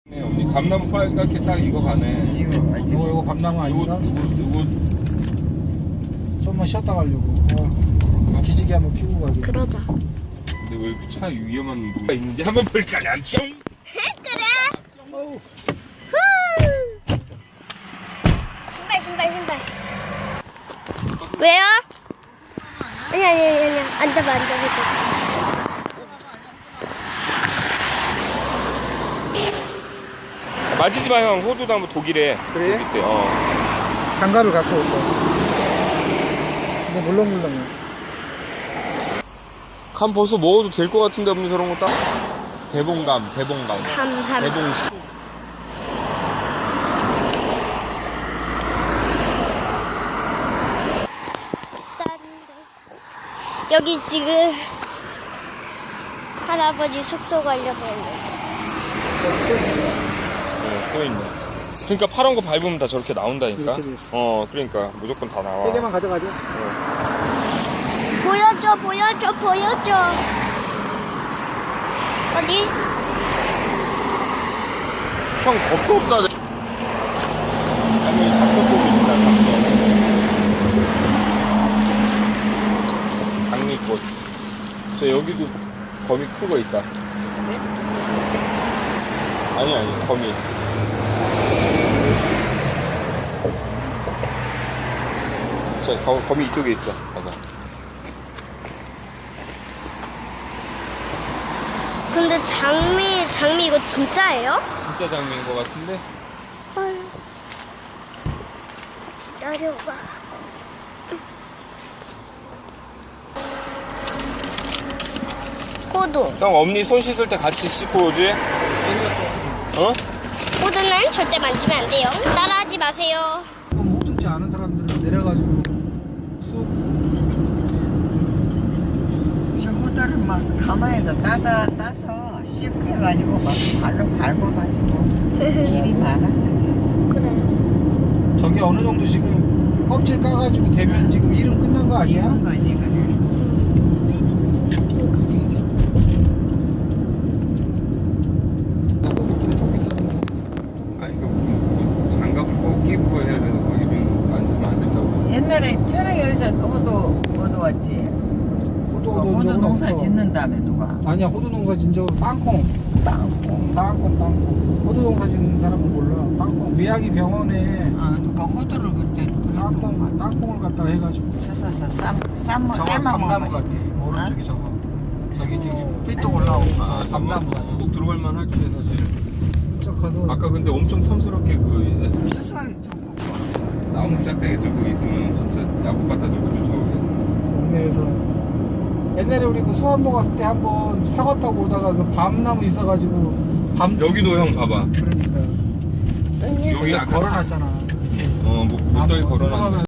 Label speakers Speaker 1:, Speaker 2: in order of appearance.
Speaker 1: 네, 언니 감나무 빨갛게 딱 이거 가네.
Speaker 2: 이거 감나무 아닌가?
Speaker 1: 이거
Speaker 2: 좀만 쉬었다 가려고. 기지개 한번 피고 가게.
Speaker 3: 그러자.
Speaker 1: 근데 왜 이렇게 차 위험한 뭐가 있는지 한번 볼까 남청?
Speaker 3: 그래.
Speaker 2: 어우,
Speaker 3: 신발. 왜요? 아니. 앉아봐.
Speaker 1: 맞지 마 형. 호주도 한번 독일에.
Speaker 2: 그래?
Speaker 1: 독일 때.
Speaker 2: 장갑을 갖고 올 거야. 근데 물렁물렁해.
Speaker 1: 감 벌써 먹어도 될 것 같은데 없는 저런 거 딱. 대봉감.
Speaker 3: 감.
Speaker 1: 대봉씨.
Speaker 3: 여기 지금 할아버지 숙소 가려고 했는데.
Speaker 1: 또 있네. 그러니까 파란 거 밟으면 다 저렇게 나온다니까.
Speaker 2: 이렇게 돼 있어.
Speaker 1: 그러니까 무조건 다 나와.
Speaker 2: 세 개만 가져가죠.
Speaker 3: 보여줘. 어디?
Speaker 1: 형 겁도 없다. 아니 닭도 보고 싶다. 닭도. 장미꽃. 저 여기도 거미 큰 거 있다. 아니 거미. 저 거미 이쪽에 있어. 봐봐.
Speaker 3: 근데 장미 이거 진짜예요?
Speaker 1: 진짜 장미인 거 같은데?
Speaker 3: 헐. 기다려봐. 호두.
Speaker 1: 형 엄니 손 씻을 때 같이 씻고 오지? 어?
Speaker 3: 호두는 절대 만지면 안 돼요. 따라하지 마세요.
Speaker 2: 호두지 않은 사람들은 내려가지고 쑥
Speaker 4: 저 호두를 막 가마에다 따서 씹혀가지고 막 발로 밟아가지고 일이 많아.
Speaker 3: 그래.
Speaker 2: 저기 어느 정도 지금 껍질 까가지고 되면 지금 일은 끝난 거 아니야?
Speaker 4: 이런 거지 그래.
Speaker 1: 아니 그 장갑을 꼭 끼고 해야 되는 거 이런 만지면 안 된다고.
Speaker 4: 옛날에 천혜여기서 호두 왔지. 호두 농사 짓는 다음에 누가
Speaker 2: 아니야, 호두 농사 진적으로 땅콩. 호두 농사 짓는 사람은 몰라. 땅콩. 미야기 병원에
Speaker 4: 누가 호두를 그때 그랬던
Speaker 2: 땅콩을 갖다가 해가지고.
Speaker 4: 주워서
Speaker 2: 저거 감나무 같아. 오른쪽이 저거. 저기 삐뚤 올라오고 감나무 같아.
Speaker 1: 꼭 들어갈 만하지 사실.
Speaker 2: 진짜 커서.
Speaker 1: 아까 근데 엄청 탐스럽게 그
Speaker 4: 수수하게 좋고
Speaker 1: 나무 짝대기 쪽고 있으면 진짜 야구 갖다 들고 쫓아오게.
Speaker 2: 동네에서 옛날에 우리 그 수안보 갔을 때 한번 사과 타고 오다가 그 밤나무 있어가지고
Speaker 1: 여기도 형 봐봐.
Speaker 2: 그러니까
Speaker 1: 여기 아까
Speaker 2: 걸어놨잖아.
Speaker 1: 못더기 걸어놨는데.